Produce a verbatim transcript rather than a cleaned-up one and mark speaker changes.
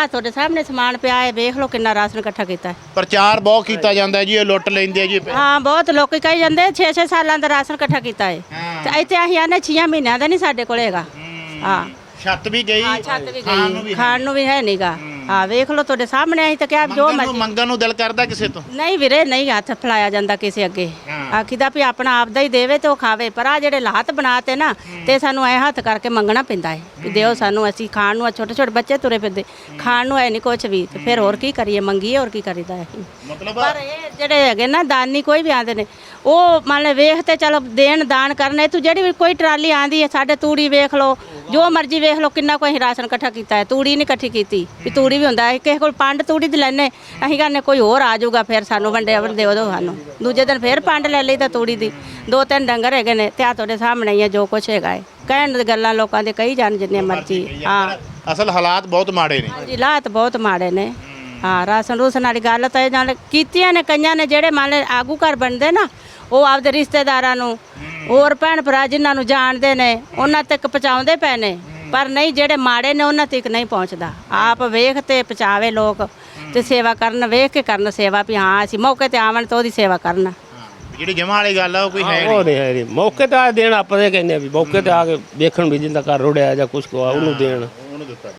Speaker 1: ਆ ਤੁਹਾਡੇ ਸਾਹਮਣੇ ਸਮਾਨ ਪਿਆ ਹੈ, ਵੇਖ ਲਓ ਕਿੰਨਾ ਰਾਸ਼ਨ ਇਕੱਠਾ ਕੀਤਾ ਹੈ।
Speaker 2: ਪ੍ਰਚਾਰ ਬਹੁਤ ਕੀਤਾ ਜਾਂਦਾ ਜੀ, ਇਹ ਲੁੱਟ ਲੈਂਦੇ ਆ ਜੀ।
Speaker 1: ਹਾਂ ਬਹੁਤ ਲੋਕੀ ਕਹੀ ਜਾਂਦੇ ਛੇ ਛੇ ਸਾਲਾਂ ਦਾ ਰਾਸ਼ਨ ਇਕੱਠਾ ਕੀਤਾ ਹੈ ਤੇ ਇੱਥੇ ਅਸੀਂ ਆਨੇ ਛੇ ਮਹੀਨਿਆਂ ਦਾ ਨਹੀਂ ਸਾਡੇ ਕੋਲ ਹੈਗਾ। ਹਾਂ
Speaker 2: ਛੱਤ ਵੀ ਗਈ,
Speaker 1: ਛੱਤ ਵੀ ਗਈ, ਖਾਣ ਨੂੰ ਵੀ ਹੈ ਨਹੀਂਗਾ। ਹਾਂ ਵੇਖ ਲਓ ਤੁਹਾਡੇ ਸਾਹਮਣੇ ਅਸੀਂ ਤਾਂ ਕਿਹਾ ਜੋ ਮਰਜ਼ੀ
Speaker 2: ਮੰਗਣ ਨੂੰ ਦਿਲ ਕਰਦਾ ਕਿਸੇ ਤੋਂ
Speaker 1: ਨਹੀਂ ਵੀਰੇ, ਨਹੀਂ ਹੱਥ ਫਲਾਇਆ ਜਾਂਦਾ ਕਿਸੇ ਅੱਗੇ। ਆਖੀਦਾ ਵੀ ਆਪਣਾ ਆਪਦਾ ਹੀ ਦੇਵੇ ਤੇ ਉਹ ਖਾਵੇ, ਪਰ ਆ ਜਿਹੜੇ ਲਾਹਤ ਬਣਾਤੇ ਨਾ ਤੇ ਸਾਨੂੰ ਐ ਹੱਥ ਕਰਕੇ ਮੰਗਣਾ ਪੈਂਦਾ ਹੈ ਵੀ ਦਿਓ ਸਾਨੂੰ, ਅਸੀਂ ਖਾਣ ਨੂੰ। ਛੋਟੇ ਛੋਟੇ ਬੱਚੇ ਤੁਰੇ ਫਿਰਦੇ, ਖਾਣ ਨੂੰ ਹੈ ਨਹੀਂ ਕੁਛ ਵੀ, ਤੇ ਫਿਰ ਹੋਰ ਕੀ ਕਰੀਏ, ਮੰਗੀਏ ਹੋਰ ਕੀ ਕਰੀਦਾ ਹੈ।
Speaker 2: ਮਤਲਬ
Speaker 1: ਪਰ ਇਹ ਜਿਹੜੇ ਹੈਗੇ ਨਾ ਦਾਨੀ ਕੋਈ ਵੀ ਆਂਦੇ ਨੇ, ਉਹ ਮੰਨ ਲੈ ਵੇਖ ਤੇ ਚਲੋ ਦੇਣ ਦਾਨ ਕਰਨੇ। ਤੂੰ ਜਿਹੜੀ ਵੀ ਕੋਈ ਟਰਾਲੀ ਆਂਦੀ ਹੈ ਸਾਡੇ ਤੂੜੀ ਵੇਖ ਲਓ, ਜੋ ਮਰਜ਼ੀ ਵੇਖ ਲਓ, ਕਿੰਨਾ ਕੋਈ ਰਾਸ਼ਨ ਇਕੱਠਾ ਕੀਤਾ ਹੈ। ਤੂੜੀ ਨਹੀਂ ਇਕੱਠੀ ਕੀਤੀ ਵੀ ਤੂੜੀ ਵੀ ਹੁੰਦਾ ਹੈ, ਕਿਸੇ ਕੋਲ ਪੰਡ ਤੂੜੀ ਦੀ ਲੈਣੇ, ਅਸੀਂ ਕਹਿੰਦੇ ਕੋਈ ਹੋਰ ਆ ਜਾਊਗਾ ਫਿਰ ਸਾਨੂੰ ਵੰਡੇ ਵੰਡੇ ਉਦੋਂ ਸਾਨੂੰ ਦੂਜੇ ਦਿਨ ਫਿਰ ਪੰਡ ਲੈ ਲਈ ਤਾਂ ਤੂੜੀ ਦੀ। ਦੋ ਤਿੰਨ ਡੰਗਰ ਹੈਗੇ ਨੇ ਤੇ ਆ ਤੁਹਾਡੇ ਸਾਹਮਣੇ ਹੀ ਹੈ ਜੋ ਕੁਛ ਹੈਗਾ ਹੈ। ਕਹਿਣ ਦੀ ਗੱਲਾਂ ਲੋਕਾਂ ਦੇ ਕਹੀ ਜਾਣ ਜਿੰਨੇ ਮਰਜ਼ੀ। ਹਾਂ
Speaker 2: ਅਸਲ ਹਾਲਾਤ ਬਹੁਤ ਮਾੜੇ ਨੇ।
Speaker 1: ਹਾਂਜੀ ਹਾਲਾਤ ਬਹੁਤ ਮਾੜੇ ਨੇ। ਹਾਂ ਰਾਸ਼ਨ ਰੂਸਨ ਵਾਲੀ ਗੱਲ ਤਾਂ ਇਹ ਨਾਲ ਕੀਤੀਆਂ ਨੇ ਕਈਆਂ ਨੇ, ਜਿਹੜੇ ਮੰਨ ਲੈ ਆਗੂ ਘਰ ਬਣਦੇ ਨਾ, ਉਹ ਆਪਦੇ ਰਿਸ਼ਤੇਦਾਰਾਂ ਨੂੰ ਹੋਰ ਭੈਣ ਭਰਾ ਜਿਨ੍ਹਾਂ ਨੂੰ ਜਾਣਦੇ ਨੇ ਉਹਨਾਂ ਤੱਕ ਪਹੁੰਚਾਉਂਦੇ ਪਏ ਨੇ, ਪਰ ਨਹੀਂ ਜਿਹੜੇ ਮਾੜੇ ਨੇ ਉਹਨਾਂ ਤੱਕ ਨਹੀਂ ਪਹੁੰਚਦਾ। ਆਪ ਵੇਖ ਤੇ ਪਹੁੰਚਾਵੇ ਲੋਕ ਤੇ ਸੇਵਾ ਕਰਨ, ਵੇਖ ਕੇ ਕਰਨ ਸੇਵਾ ਵੀ ਹਾਂ ਅਸੀਂ ਮੌਕੇ ਤੇ ਆਵਣ ਤਾਂ ਉਹਦੀ ਸੇਵਾ ਕਰਨ।
Speaker 2: ਜਿਹੜੀ ਜਮਾ ਵਾਲੀ ਗੱਲ ਆ ਉਹ ਕੋਈ ਹੈ
Speaker 3: ਉਹ ਨਹੀਂ ਹੈ ਨਹੀਂ, ਮੌਕੇ ਤੇ ਆ ਦੇਣ ਆਪਾਂ ਦੇ ਕਹਿੰਦੇ ਵੀ ਮੌਕੇ ਤੇ ਆ ਕੇ ਦੇਖਣ ਵੀ ਜਿੰਦਾ ਘਰ ਰੁੜਿਆ ਜਾਂ ਕੁਛ ਕੋ ਉਹਨੂੰ ਦੇਣ।